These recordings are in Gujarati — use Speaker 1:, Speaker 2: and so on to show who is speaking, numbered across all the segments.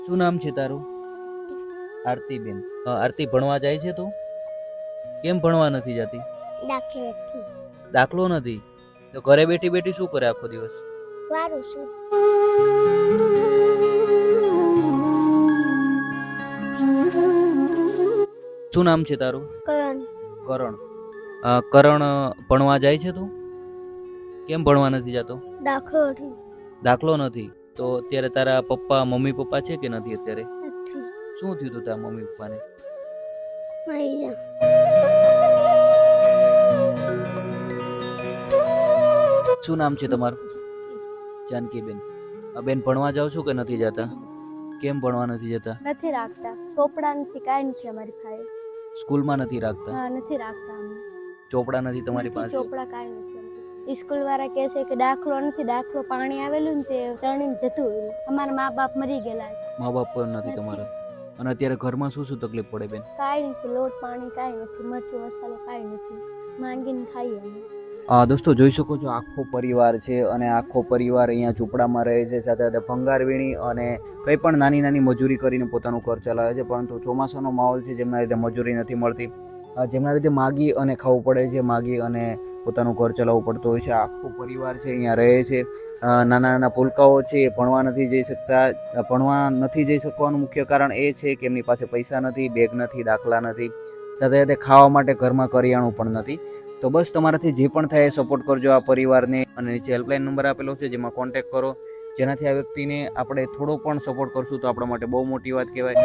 Speaker 1: શું નામ છે તારું? આરતીબેન. આરતી ભણવા જાય છે તું? કેમ ભણવા નથી જતી?
Speaker 2: દાખલો નથી.
Speaker 1: દાખલો નથી તો ઘરે બેઠી બેઠી શું કરે આખો દિવસ?
Speaker 2: વારું છું.
Speaker 1: શું નામ છે તારું?
Speaker 2: કરણ.
Speaker 1: કરણ. કરણ ભણવા જાય છે તું? કેમ ભણવા નથી જતો?
Speaker 2: દાખલો નથી.
Speaker 1: દાખલો નથી તો અત્યારે તારા પપ્પા મમ્મી પપ્પા છે કે નથી અત્યારે?
Speaker 2: નથી.
Speaker 1: શું થયું તું તારા મમ્મી પપ્પાને?
Speaker 2: મરી જા.
Speaker 1: શું નામ છે તમારું? જાનકીબેન. બેન ભણવા જાવ છો કે નથી જતા? કેમ ભણવા નથી જતા?
Speaker 3: નથી રાખતા. ચોપડા નથી, કાંઈ નથી અમારી પાસે.
Speaker 1: સ્કૂલમાં નથી રાખતા?
Speaker 3: હા, નથી રાખતા અમે.
Speaker 1: ચોપડા નથી તમારી પાસે?
Speaker 3: ચોપડા કાંઈ નથી અમારી. સ્કૂલ વાળા કહે છે કે દાખલો નથી, દાખલો પાણી આવેલું ને તે તણીને જતું રહ્યું. અમારા મા બાપ મરી ગયેલા.
Speaker 1: મા બાપ પણ નથી તમારા? અને અત્યારે ઘરમાં શું શું તકલીફ પડે બેન?
Speaker 3: કાંઈ નથી, લોટ પાણી કાંઈ નથી, મરચું મસાલો કાંઈ નથી, માંગીને ખાઈએ અમે.
Speaker 1: દોસ્તો જોઈ શકો છો આખો પરિવાર છે અને આખો પરિવાર અહીંયા ઝૂંપડામાં રહે છે, સાથે સાથે ભંગાર વીણી અને કંઈ પણ નાની નાની મજૂરી કરીને પોતાનું ઘર ચલાવે છે. પરંતુ ચોમાસાનો માહોલ છે જેમના લીધે મજૂરી નથી મળતી, જેમના લીધે માગી અને ખાવું પડે છે, માગી અને પોતાનું ઘર ચલાવવું પડતું હોય છે. આખો પરિવાર છે અહીંયા રહે છે. નાના નાના પુલકાઓ છે એ ભણવા નથી જઈ શકતા. ભણવા નથી જઈ શકવાનું મુખ્ય કારણ એ છે કે એમની પાસે પૈસા નથી, બેગ નથી, દાખલા નથી, સાથે સાથે ખાવા માટે ઘરમાં કરિયાણું પણ નથી. તો બસ તમારાથી જે પણ થાય એ સપોર્ટ કરજો આ પરિવારને, અને નીચે હેલ્પલાઇન નંબર આપેલો છે જેમાં કોન્ટેક્ટ કરો, જેનાથી આ વ્યક્તિને આપણે થોડો પણ સપોર્ટ કરશું તો આપણા માટે બહુ મોટી વાત કહેવાય.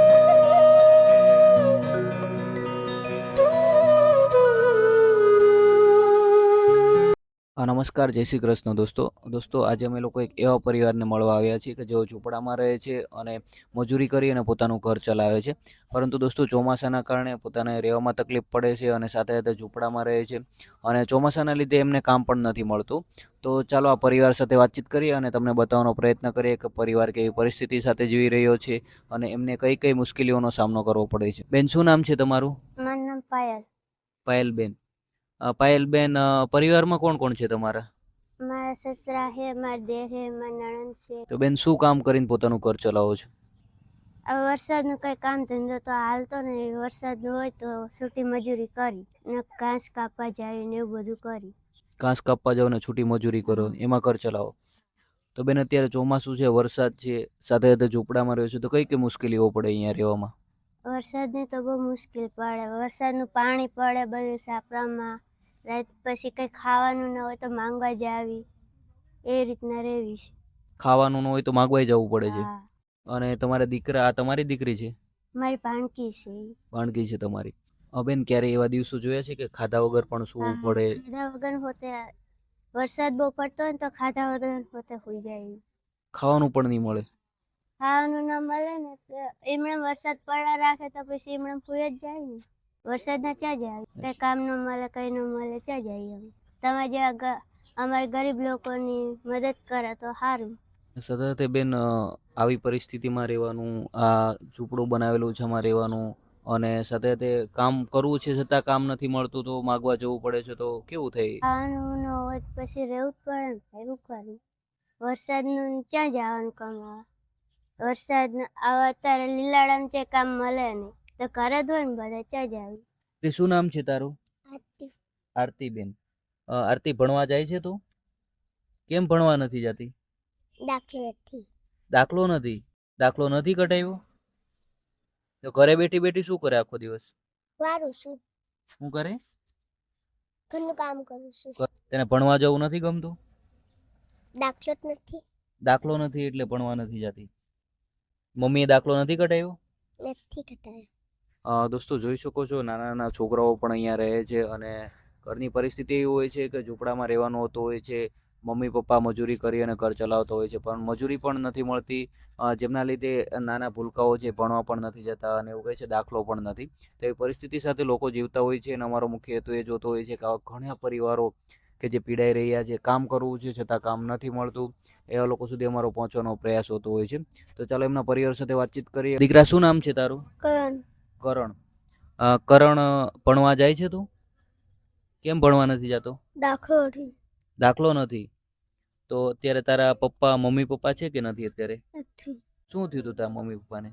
Speaker 1: નમસ્કાર, જય શ્રી કૃષ્ણ દોસ્તો આજે અમે લોકો એક એવા પરિવારને મળવા આવ્યા છીએ કે જેઓ ઝૂંપડામાં રહે છે અને મજૂરી કરી અને પોતાનું ઘર ચલાવે છે. પરંતુ દોસ્તો ચોમાસાના કારણે પોતાને રહેવામાં તકલીફ પડે છે અને સાથે સાથે ઝૂંપડામાં રહે છે અને ચોમાસાના લીધે એમને કામ પણ નથી મળતું. તો ચાલો આ પરિવાર સાથે વાતચીત કરીએ અને તમને બતાવવાનો પ્રયત્ન કરીએ કે પરિવાર કેવી પરિસ્થિતિ સાથે જીવી રહ્યો છે અને એમને કઈ કઈ મુશ્કેલીઓનો સામનો કરવો પડે છે. બેન શું નામ છે તમારું?
Speaker 2: મારું નામ પાયલ.
Speaker 1: પાયલબેન. પાયલબેન, પરિવારમાં કોણ કોણ છે તમારા?
Speaker 2: મારા સસરા છે, મારા દેર છે, મારા નણંદ છે.
Speaker 1: તો બેન શું કામ કરીને પોતાનું ઘર ચલાવો છો?
Speaker 2: હવે વરસાદનું કંઈ કામ ધંધો તો હાલતો નહીં. વરસાદ હોય તો છૂટી મજૂરી કરી ને ઘાસ કાપવા જાય ને એવું બધું કરી.
Speaker 1: ઘાસ કાપવા જાઓ ને છૂટી મજૂરી કરો, એમાં ઘર ચલાવો. તો બેન અત્યારે ચોમાસું છે, વરસાદ છે, સાથે સાથે ઝૂંપડામાં રહ્યો છે, તો કઈ કઈ મુશ્કેલીઓ પડે અહીંયા રહેવામાં?
Speaker 2: વરસાદની તો બહુ મુશ્કેલ પડે. વરસાદનું પાણી પડે બધું સાપરામાં. રાત પછી કંઈ ખાવાનું ન હોય તો માંગવા જ આવી, એ રીતના રહેવી છે.
Speaker 1: ખાવાનું ન હોય તો માગવાઈ જવું પડે છે.
Speaker 2: હા.
Speaker 1: અને તમારા દીકરા, આ તમારી દીકરી છે?
Speaker 2: મારી ભાણકી છે.
Speaker 1: ભાણકી છે તમારી. બેન ક્યારે એવા દિવસો જોયા છે કે ખાધા વગર પણ સૂવું પડે?
Speaker 2: ખાધા વગર હોતે વરસાદ બહુ પડતો હોય ને તો ખાધા વગર હોતે હોઈ જાય.
Speaker 1: ખાવાનું પણ નહીં મળે?
Speaker 2: ખાવાનું ના મળે ને તો એમણે વરસાદ પડ્યા રાખે તો પછી એમણે ફૂઈ જ જાય ને. વરસાદના ક્યાં જાય? કઈ કામ ન મળે, કઈ ન મળે, ક્યાં જાય અમે. તમે જેવા અમારા ગરીબ લોકોની મદદ કરે તો સારું.
Speaker 1: સાથે બેન આવી પરિસ્થિતિમાં રહેવાનું, આ ઝૂંપડું બનાવેલું છે એમાં રહેવાનું, અને સાથે સાથે કામ કરવું છે છતાં કામ નથી મળતું તો માગવા જવું પડે છે, તો કેવું થાય?
Speaker 2: ખાવાનું ન હોય પછી રહેવું જ પડે ને. એવું કરવું. વરસાદનું ક્યાં જવાનું કમાવા? વરસાદ અત્યારે લીલાડામાં જે કામ મળે નહીં તો ઘરે જ હોય ને બધા, ક્યાં જાય?
Speaker 1: તે શું નામ છે તારું?
Speaker 2: આરતી.
Speaker 1: આરતીબેન. આરતી ભણવા જાય છે તું? કેમ ભણવા નથી જતી?
Speaker 2: દાખલો નથી.
Speaker 1: દાખલો નથી? દાખલો નથી કઢાવ્યો તો ઘરે બેઠી બેઠી શું કરે આખો દિવસ?
Speaker 2: વારું છું.
Speaker 1: શું કરે?
Speaker 2: ઘરનું કામ કરું છું.
Speaker 1: તને ભણવા જવું નથી ગમતું?
Speaker 2: દાખલો જ નથી.
Speaker 1: દાખલો નથી એટલે ભણવા નથી જતી. મમ્મીએ દાખલો નથી કઢાવ્યો?
Speaker 2: નથી ઘટાડ્યો.
Speaker 1: દોસ્તો જોઈ શકો છો નાના નાના છોકરાઓ પણ અહીંયા રહે છે અને ઘરની પરિસ્થિતિ એવી હોય છે કે ઝૂંપડામાં રહેવાનું હોતું હોય છે. મમ્મી પપ્પા મજૂરી કરી અને ઘર ચલાવતો હોય છે, પણ મજૂરી પણ નથી મળતી, જેમના લીધે નાના ભૂલકાઓ છે ભણવા પણ નથી જતા અને એવું કહે છે દાખલો પણ નથી. તો એવી પરિસ્થિતિ સાથે લોકો જીવતા હોય છે અને અમારો મુખ્ય હેતુ એ જોતો હોય છે કે આવા ઘણા પરિવારો કે જે પીડાઈ રહ્યા છે, કામ કરવું છે છતાં કામ નથી મળતું, એવા લોકો સુધી અમારો પહોંચવાનો પ્રયાસ હોતો હોય છે. તો ચાલો એમના પરિવાર સાથે વાતચીત કરીએ. દીકરા શું નામ છે તારું?
Speaker 2: કરણ.
Speaker 1: કરણ. કરણ ભણવા જાય છે તું? કેમ ભણવા નથી જતો?
Speaker 2: દાખલો નથી.
Speaker 1: દાખલો નથી તો અત્યારે તારા પપ્પા મમ્મી પપ્પા છે કે નથી અત્યારે?
Speaker 2: નથી.
Speaker 1: શું થયું હતું તારા મમ્મી પપ્પાને?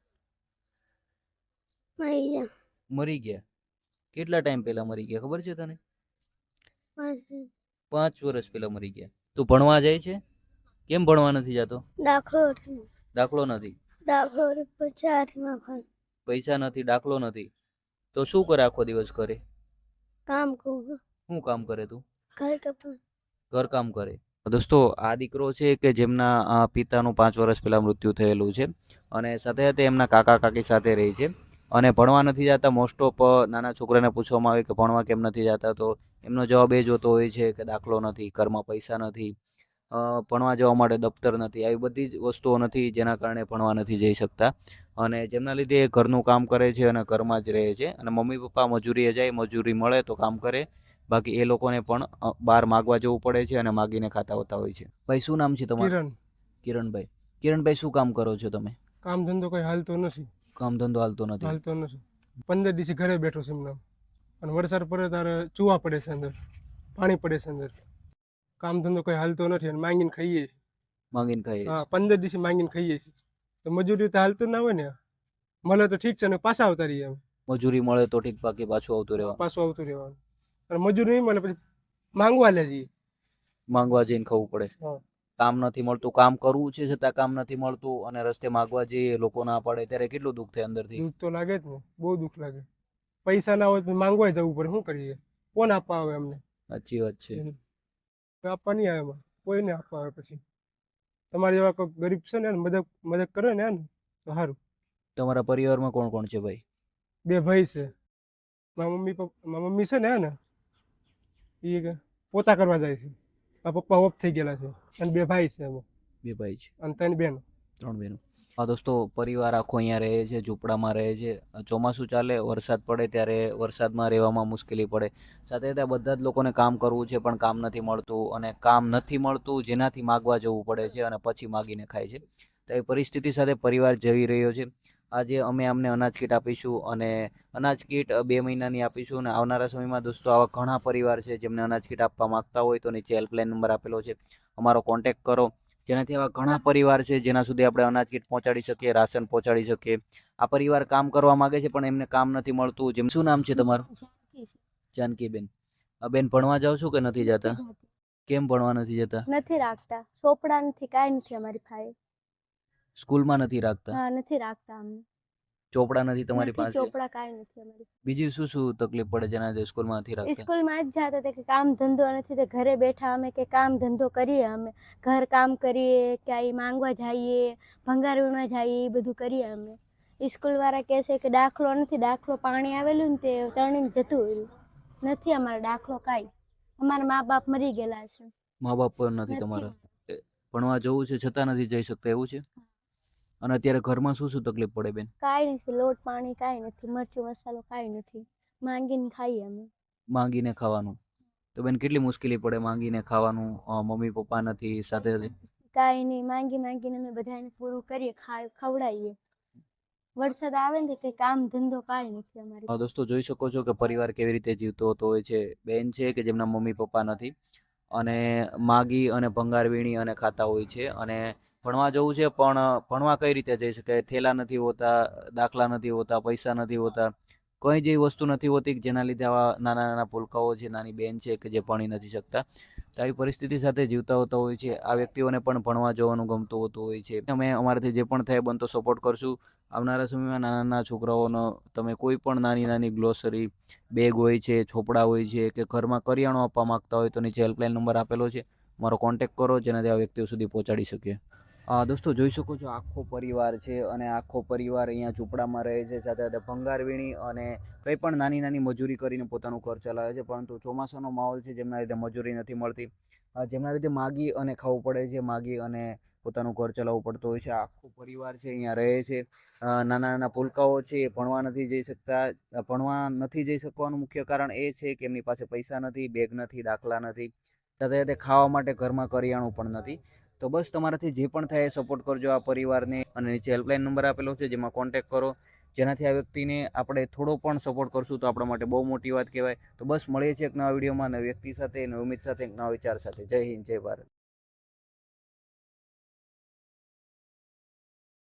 Speaker 1: મરી ગયા? કેટલા ટાઈમ પહેલા મરી ગયા ખબર છે તને? 5 વર્ષ પહેલા મરી ગયા. તું ભણવા જાય છે? કેમ ભણવા નથી જતો? દાખલો નથી. પૈસા નથી, દાખલો નથી, તો શું કરે આખો દિવસ કરે? શું કામ કરે તું? ઘર કામ કરે. દોસ્તો, આ દીકરો છે કે જેમના પિતાનું 5 વર્ષ પહેલા મૃત્યુ થયેલું છે અને સાથે સાથે એમના કાકા કાકી સાથે રહે છે અને ભણવા નથી જતા. મોસ્ટ ઓફ નાના છોકરાને પૂછવામાં આવે કે ભણવા કેમ નથી જતા, તો એમનો જવાબ એ જ હોતો હોય છે કે દાખલો નથી, ઘરમાં પૈસા નથી, ભણવા જવા માટે દફતર નથી, આવી બધી જ વસ્તુઓ નથી જેના કારણે ભણવા નથી જઈ શકતા. અને જેમના લીધે એ ઘરનું કામ કરે છે અને ઘરમાં જ રહે છે અને મમ્મી પપ્પા મજૂરીએ જાય, મજૂરી મળે તો કામ કરે, બાકી એ લોકોને પણ બહાર માગવા જવું પડે છે અને માગીને ખાતા હોતા હોય છે. ભાઈ, શું નામ છે તમારું? કિરણભાઈ. કિરણભાઈ, શું કામ કરો છો તમે?
Speaker 4: કામ ધંધો કઈ હાલતો નથી.
Speaker 1: કામ ધંધો હાલતો નથી?
Speaker 4: 15 દિવસે ઘરે બેઠો છે એમને. અને વરસાદ પડે ત્યારે ચૂવા પડે છે અંદર, પાણી પડે છે અંદર. કામ ધંધો કઈ હાલતો નથી અને માંગીને ખાઈએ છીએ.
Speaker 1: માંગીને ખાઈએ?
Speaker 4: હા, 15 દિવસે માંગીને ખાઈએ છીએ. તો મજૂરી તો હાલતું ના હોય ને, મળે તો ઠીક છે ને પાછા આવતા રહીએ.
Speaker 1: મજૂરી મળે તો ઠીક, બાકી પાછું આવતું રહેવાનું.
Speaker 4: પાછું આવતું રહેવાનું. અને મજૂરી નહીં મળે પછી માંગવા લે જઈએ.
Speaker 1: માંગવા જઈને ખાવું પડે. કામ નથી મળતું, કામ કરવું છે છતાં કામ નથી મળતું અને રસ્તે માંગવા જઈએ, લોકો ના પાડે ત્યારે કેટલું દુઃખ થાય અંદરથી?
Speaker 4: દુઃખ તો લાગે જ ને, બહુ દુઃખ લાગે. પૈસા ના હોય તો માંગવા જવું પડે, શું કરીએ? કોણ આપવા આવે અમને?
Speaker 1: સાચી વાત છે.
Speaker 4: આપવા નહીં આવે એમાં, કોઈને આપવા આવે. પછી તમારી જેવા કોઈ ગરીબ છે ને મદદ કરે ને તો સારું.
Speaker 1: તમારા પરિવારમાં કોણ કોણ છે ભાઈ?
Speaker 4: 2 ભાઈ છે. મારા મમ્મી છે ને એ પોતા કરવા જાય છે. મારા પપ્પા ઓફ થઈ ગયેલા છે અને 2 ભાઈ છે એમાં.
Speaker 1: 2 ભાઈ છે
Speaker 4: અને 3 બહેનો.
Speaker 1: 3 બહેનો. હા દોસ્તો, પરિવાર આખો અહીંયા રહે છે, ઝૂંપડામાં રહે છે. ચોમાસું ચાલે, વરસાદ પડે ત્યારે વરસાદમાં રહેવામાં મુશ્કેલી પડે. સાથે સાથે બધા જ લોકોને કામ કરવું છે પણ કામ નથી મળતું, અને કામ નથી મળતું જેનાથી માગવા જવું પડે છે અને પછી માગીને ખાય છે. તો એ પરિસ્થિતિ સાથે પરિવાર જઈ રહ્યો છે. આજે અમે અમને અનાજ કીટ આપીશું અને અનાજ કીટ 2 મહિનાની આપીશું અને આવનારા સમયમાં દોસ્તો આવા ઘણા પરિવાર છે જેમને અનાજ કીટ આપવા માંગતા હોય તો નીચે હેલ્પલાઇન નંબર આપેલો છે, અમારો કોન્ટેક્ટ કરો. જેનાથી આવા ઘણા પરિવાર છે જેના સુધી આપણે અનાજ કીટ પહોંચાડી શકીએ, રાશન પહોંચાડી શકીએ. આ પરિવાર કામ કરવા માંગે છે પણ એમને કામ નથી મળતું. જેમ શું નામ છે તમારું? જાનકીબેન. બેન, ભણવા જાવ છો કે નથી જતા? કેમ ભણવા નથી જતા?
Speaker 3: નથી રાખતા, ચોપડા નથી, કાંઈ નથી અમારી પાસે.
Speaker 1: સ્કૂલમાં નથી રાખતા?
Speaker 3: હા, નથી રાખતા અમને.
Speaker 1: ચોપડા નથી તમારી પાસે?
Speaker 3: ચોપડા કાંઈ નથી અમારી.
Speaker 1: બીજી શું શું તકલીફ પડે જેના લીધે સ્કૂલમાં નથી રાખતા?
Speaker 3: સ્કૂલમાં જ જાતા હતા કે કામ ધંધો નથી, તો ઘરે બેઠા અમે કે કામ ધંધો કરીએ, અમે ઘર કામ કરીએ, ક્યાંય માંગવા જઈએ, ભંગાર વીણવા જઈએ, એ બધું કરીએ અમે. સ્કૂલ વાળા કહે છે કે દાખલો નથી, દાખલો પાણી આવેલું ને તે તણીને જતું રહ્યું. નથી અમારો દાખલો કાંઈ. અમારા મા બાપ મરી ગયેલા છે.
Speaker 1: મા બાપ પણ નથી તમારા? ભણવા જવું છે છતાં નથી જઈ શકતા એવું છે? અને અત્યારે ઘરમાં શું શું તકલીફ પડે બેન?
Speaker 3: કાંઈ નથી, લોટ પાણી કાંઈ નથી, મરચું મસાલો કાંઈ નથી, માંગીને ખાઈએ અમે.
Speaker 1: માંગીને ખાવાનું? તો બેન કેટલી મુશ્કેલી પડે માંગીને ખાવાનું, મમ્મી પપ્પા નથી સાથે?
Speaker 3: કાંઈ નહીં, માંગીને અમે બધાને પૂરું કરીએ, ખવડાવીએ. વરસાદ આવે ને કે કામ ધંધો કાંઈ નથી અમારી.
Speaker 1: દોસ્તો, જોઈ શકો છો કે પરિવાર કેવી રીતે જીવતો હોતો હોય છે. બેન છે કે જેમના મમ્મી પપ્પા નથી અને માગી અને ભંગાર વીણી અને ખાતા હોય છે અને ભણવા જવું છે પણ ભણવા કઈ રીતે જઈ શકે? થેલા નથી હોતા, દાખલા નથી હોતા, પૈસા નથી હોતા, કોઈ જેવી વસ્તુ નથી હોતી જેના લીધે આવા નાના નાના પુલકાઓ છે, નાની બેન છે કે જે ભણી નથી શકતા. તો આવી પરિસ્થિતિ સાથે જીવતા હોતા હોય છે. આ વ્યક્તિઓને પણ ભણવા જવાનું ગમતું હોતું હોય છે. અમે અમારાથી જે પણ થાય બનતો સપોર્ટ કરશું. આવનારા સમયમાં નાના નાના છોકરાઓનો તમે કોઈ પણ નાની નાની ગ્લોસરી બેગ હોય છે, ચોપડા હોય છે કે ઘરમાં કરિયાણું આપવા માંગતા હોય તો નીચે હેલ્પલાઇન નંબર આપેલો છે, મારો કોન્ટેક્ટ કરો જેનાથી આ વ્યક્તિઓ સુધી પહોંચાડી શકીએ. દોસ્તો, જોઈ શકો છો આખો પરિવાર છે અને આખો પરિવાર અહીંયા ઝૂંપડામાં રહે છે. સાથે સાથે ભંગાર વીણી અને કંઈ પણ નાની નાની મજૂરી કરીને પોતાનું ઘર ચલાવે છે. પરંતુ ચોમાસાનો માહોલ છે જેમના લીધે મજૂરી નથી મળતી, જેમના લીધે માગી અને ખાવું પડે છે, માગી અને પોતાનું ઘર ચલાવવું પડતું હોય છે. આખો પરિવાર છે અહીંયા રહે છે. નાના નાના પુલકાઓ છે એ ભણવા નથી જઈ શકતા. ભણવા નથી જઈ શકવાનું મુખ્ય કારણ એ છે કે એમની પાસે પૈસા નથી, બેગ નથી, દાખલા નથી, સાથે સાથે ખાવા માટે ઘરમાં કરિયાણું પણ નથી. તો બસ તમારાથી જે પણ થાય એ સપોર્ટ કરજો આ પરિવારને અને નીચે હેલ્પલાઇન નંબર આપેલો છે જેમાં કોન્ટેક્ટ કરો, જેનાથી આ વ્યક્તિને આપણે થોડો પણ સપોર્ટ કરશું તો આપણા માટે બહુ મોટી વાત કહેવાય. તો બસ મળીએ છીએ એક નવા વિડીયોમાં, નવી વ્યક્તિ સાથે, નવી ઉમ્મીદ સાથે, એક નવા વિચાર સાથે. જય હિન્દ, જય ભારત.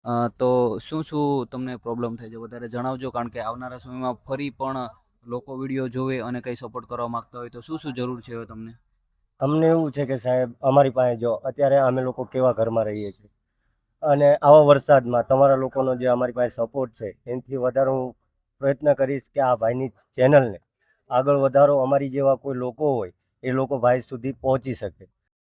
Speaker 1: તો શું શું તમને પ્રોબ્લેમ થાય છે વધારે જણાવજો, કારણ કે આવનારા સમયમાં ફરી પણ લોકો વિડીયો જોવે અને કંઈ સપોર્ટ કરવા માંગતા હોય તો શું શું જરૂર છે હવે તમને?
Speaker 5: અમને એવું છે કે સાહેબ અમારી પાસે જો અત્યારે અમે લોકો કેવા ઘરમાં રહીએ છીએ અને આવા વરસાદમાં તમારા લોકોનો જે અમારી પાસે સપોર્ટ છે એનાથી વધારે હું પ્રયત્ન કરીશ કે આ ભાઈની ચેનલને આગળ વધારો, અમારી જેવા કોઈ લોકો હોય એ લોકો ભાઈ સુધી પહોંચી શકે.